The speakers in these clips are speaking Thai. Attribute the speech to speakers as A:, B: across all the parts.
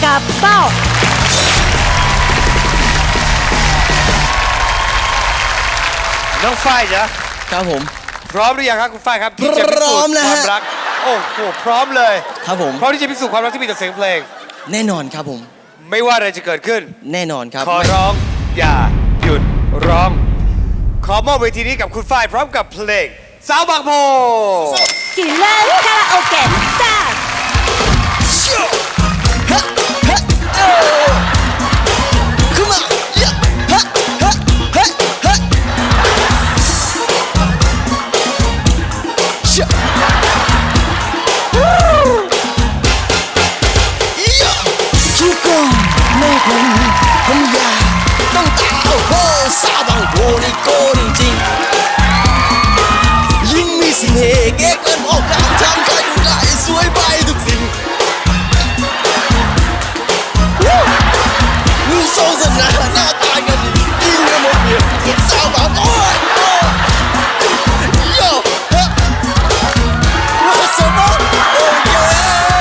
A: กับเป้า
B: น้องฝ้ายจ๊ะ
C: ครับผม
B: พร้อมหรือยังครับคุณฝ้ายครับที่จะพิสูจน์ความรักโอ้โหพร้อมเลย
C: ครับผม
B: พร้อมที่จะพิสูจน์ความรักที่มีแต่เสียงเพลง
C: แน่นอนครับผม
B: ไม่ว่าอะไรจะเกิดขึ้น
C: แน่นอนครับ
B: ขอร้องอย่าหยุดร้อง ขอมอบเวทีนี้กับคุณฝ้ายพร้อมกับเพลงสาวบางโพ
A: กินเลิศคาราโอเกะจ้า
C: คิดก่อนไม่ผมอยากต้องตาโอ้โหสาวบางโพนี่โกนจริงยิ่งมีเสน่ห์เก๊กเกินออกการทำใครดูได้สวยไปทุกสิ่งรูปทรงสง่าหน้าตากันดียิ่งกว่าหมดเดียวกับสาวบางโพโย่ฮะว่าสมองโอ้เย่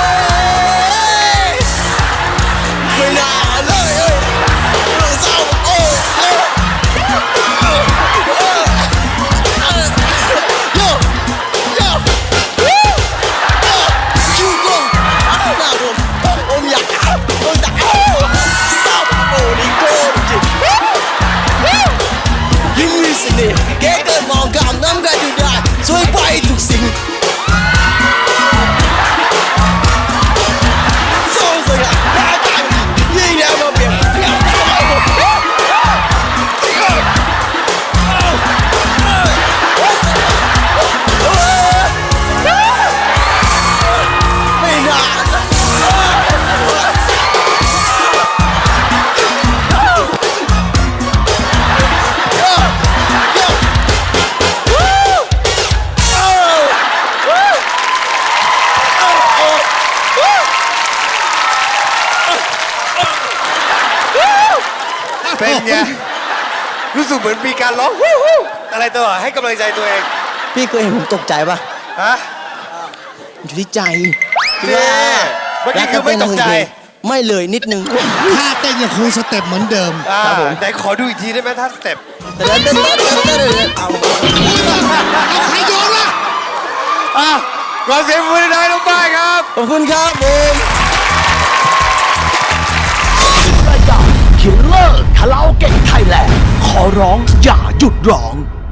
C: ไม่น่าเลยเรื่องสาวโอ้โย่โย่คิวกงหน้าผมอยากแต่สาวโอ้นี่โกจริงยิ่งมีเสน่ห์แกเกินมองกามน้ำกันดูได้สวยไปทุกสิ่งทรงสง่าหน้าตายิ่งแนวมาเปลี่ยนไม่น่า
B: เป็นไงรู้สึกเหมือนมีการร้องฮู้ฮู้อะไรตัวให้กำลังใจตัวเอง
C: พี่เคยเห็นผมตกใจปะ
B: ฮะ
C: อยู่ที่ใจ
B: เนี่ยเมื่อกี้คือไม่ตกใจ
C: ไม่เลยนิดนึง
D: ท่าเต้นยังคงสเต็ปเหมือนเดิม
C: ครับผม
B: ไหนขอดูอีกทีได้ไหมท่าสเต็ป
C: เดินเดินเดินเดินเดินเดินเอา
D: เอาใครโยนล่ะ
B: อ่ะขอเสียงมือหน่อยน้องฝ้ายครับ
C: ขอบคุณครับผม
E: รายการคิลเลอร์คาราโอเกะไทยแลนด์ขอร้องอย่าหยุดร้อง